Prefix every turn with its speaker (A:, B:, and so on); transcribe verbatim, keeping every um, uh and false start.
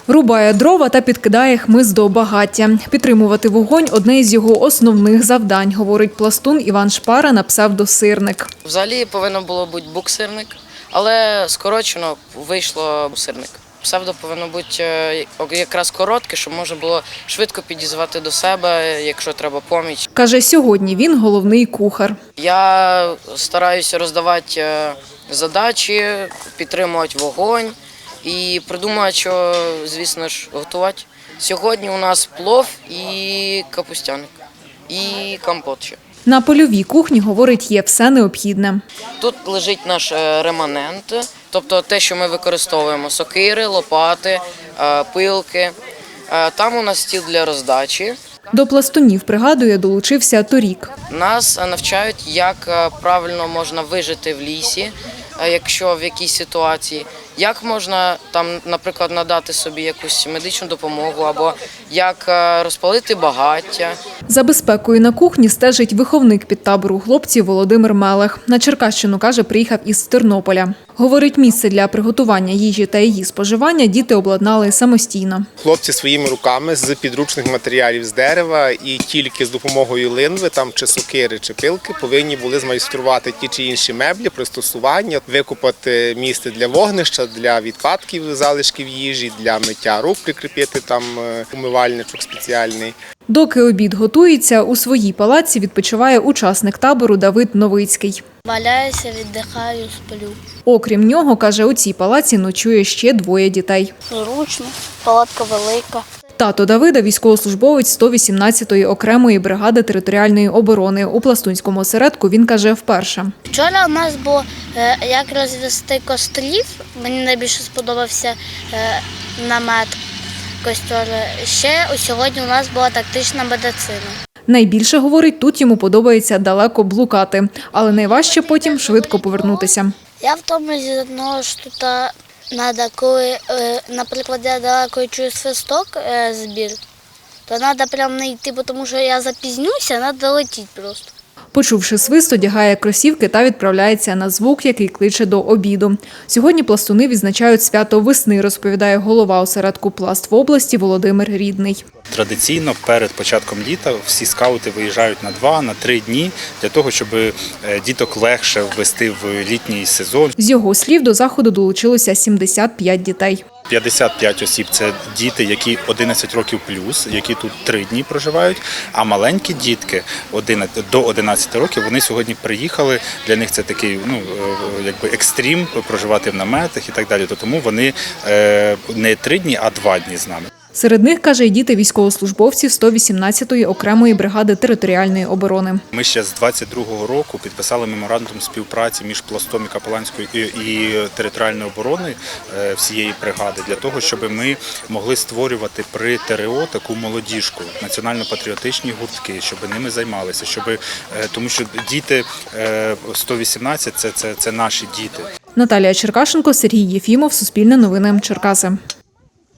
A: Рубає дрова та підкидає хмиз до багаття. Підтримувати вогонь – одне із його основних завдань, говорить пластун Іван Шпара на псевдосирник.
B: Взагалі повинно було бути буксирник, але скорочено вийшло сирник. Псевдо повинно бути якраз коротке, щоб можна було швидко підізвати до себе, якщо треба поміч.
A: Каже, сьогодні він головний кухар.
B: Я стараюся роздавати задачі, підтримувати вогонь і придумати, що, звісно ж, готувати. Сьогодні у нас плов і капустяник, і компот ще.
A: На польовій кухні, говорить, є все необхідне.
B: Тут лежить наш реманент, тобто те, що ми використовуємо – сокири, лопати, пилки. Там у нас стіл для роздачі.
A: До пластунів, пригадує, долучився торік.
B: Нас навчають, як правильно можна вижити в лісі, якщо в якійсь ситуації, як можна там, наприклад, надати собі якусь медичну допомогу або як розпалити багаття.
A: За безпекою на кухні стежить виховник підтабору хлопців Володимир Мелех. На Черкащину, каже, приїхав із Тернополя. Говорить, місце для приготування їжі та її споживання діти обладнали самостійно.
C: Хлопці своїми руками з підручних матеріалів з дерева і тільки з допомогою линви, там чи сокири, чи пилки, повинні були змайструвати ті чи інші меблі, пристосування, викопати місце для вогнища, для відпадків, залишків їжі, для миття рук, прикріпити там умивальничок спеціальний.
A: Доки обід готується, у своїй палаці відпочиває учасник табору Давид Новицький.
D: Валяюся, віддихаю, сплю.
A: Окрім нього, каже, у цій палаці ночує ще двоє дітей.
D: Зручно, палатка велика.
A: Тато Давида – військовослужбовець сто вісімнадцятої окремої бригади територіальної оборони. У пластунському осередку він, каже, вперше.
D: Вчора у нас було як розвести кострів. Мені найбільше сподобався намет костер. Ще сьогодні у нас була тактична медицина.
A: Найбільше, говорить, тут йому подобається далеко блукати, але найважче потім швидко повернутися.
D: Я в тому зі одного що тут треба, коли, наприклад, я далеко чую свисток збір, то треба прямо не йти, тому що я запізнюся, треба летіти просто.
A: Почувши свист, одягає кросівки та відправляється на звук, який кличе до обіду. Сьогодні пластуни відзначають свято весни, розповідає голова осередку «Пласт» в області Володимир Рідний.
E: Традиційно перед початком літа всі скаути виїжджають на два, на три дні для того, щоб діток легше ввести в літній сезон.
A: З його слів, до заходу долучилося сімдесят п'ять дітей.
E: п'ятдесят п'ять осіб – це діти, які одинадцять років плюс, які тут три дні проживають, а маленькі дітки до одинадцяти років, вони сьогодні приїхали, для них це такий ну, якби екстрім, проживати в наметах і так далі, тому вони не три дні, а два дні з нами.
A: Серед них, каже, і діти військовослужбовців сто вісімнадцятої окремої бригади територіальної оборони.
E: Ми ще з двадцять другого року підписали меморандум співпраці між Пластом і Капеланською і територіальної оборони всієї бригади для того, щоб ми могли створювати при ТРО таку молодіжку, національно-патріотичні гуртки, щоб ними займалися, щоб тому що діти сто вісімнадцять це, це, це наші діти.
A: Наталія Черкашенко, Сергій Єфімов, Суспільне новини, Черкаси.